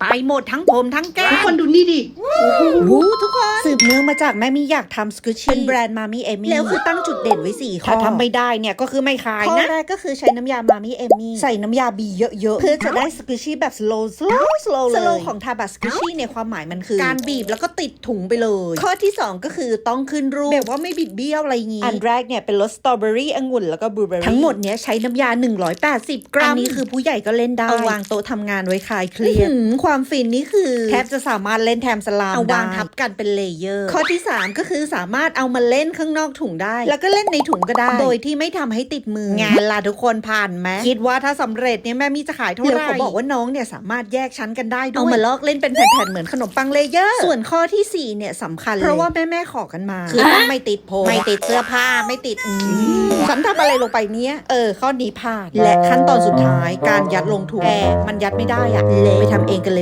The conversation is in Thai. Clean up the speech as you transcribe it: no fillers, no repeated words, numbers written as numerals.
ไปหมดทั้งผมทั้งแก้มทุกคนดูนี่ดิทุกคนสืบเนื่องมาจากแม่มีอยากทำสกูชี่เป็นแบรนด์มามี่เอมี่แล้วคือตั้งจุดเด่นไว้4 ข้อถ้าทำไม่ได้เนี่ยก็คือไม่ขายนะข้อแรกก็คือใช้น้ำยามามี่เอมี่ใส่น้ำยาบีเยอะๆเพื่อจะได้สกูชี่แบบ slow เลยสโลของทาบัสสกูชี่ในความหมายมันคือการบีบแล้วก็ติดถุงไปเลยข้อที่2ก็คือต้องขึ้นรูปแบบว่าไม่บิดเบี้ยวอะไรงี้อันแรกเนี่ยเป็นรสสตรอเบอรี่องุ่นแล้วก็บลูเบอรี่ทั้งหมดเนี้ยใช้น้ำยา180 กรัมอันนี้คือผู้ใหญ่ก็เล่นได้เอาวางโต๊ะทำงานไว้คลายเครียดความฟินนี่คือแทบจะสามารถเล่นแทมสลามเอาวางทับกันเป็นเลเยอร์ข้อที่3ก็คือสามารถเอามาเล่นข้างนอกถุงได้แล้วก็เล่นในถุงก็ได้โดยที่ไม่ทำให้ติดมืองานล่ะทุกคนผ่านไหมคิดว่าถ้าสำเร็จเนี่ยแม่มีจะขายเท่าไหร่เขาบอกว่าน้องเนี่ยสามารถแยกชั้นกันได้ด้วยเอามาลอกเล่นเป็นแผ่นๆเหมือนขนมปังเลเยอร์ส่วนข้อที่4เนี่ยสำคัญเลยเพราะว่าแม่ขอกันมาคือต้องไม่ติดผมไม่ติดเสื้อผ้าไม่ติดฉันทำอะไรลงไปเนี้ยข้อนี้ผ่านและขั้นตอนสุดท้ายการยัดลงถุงมันยัดไม่ได้อะไปทำเองกันเลย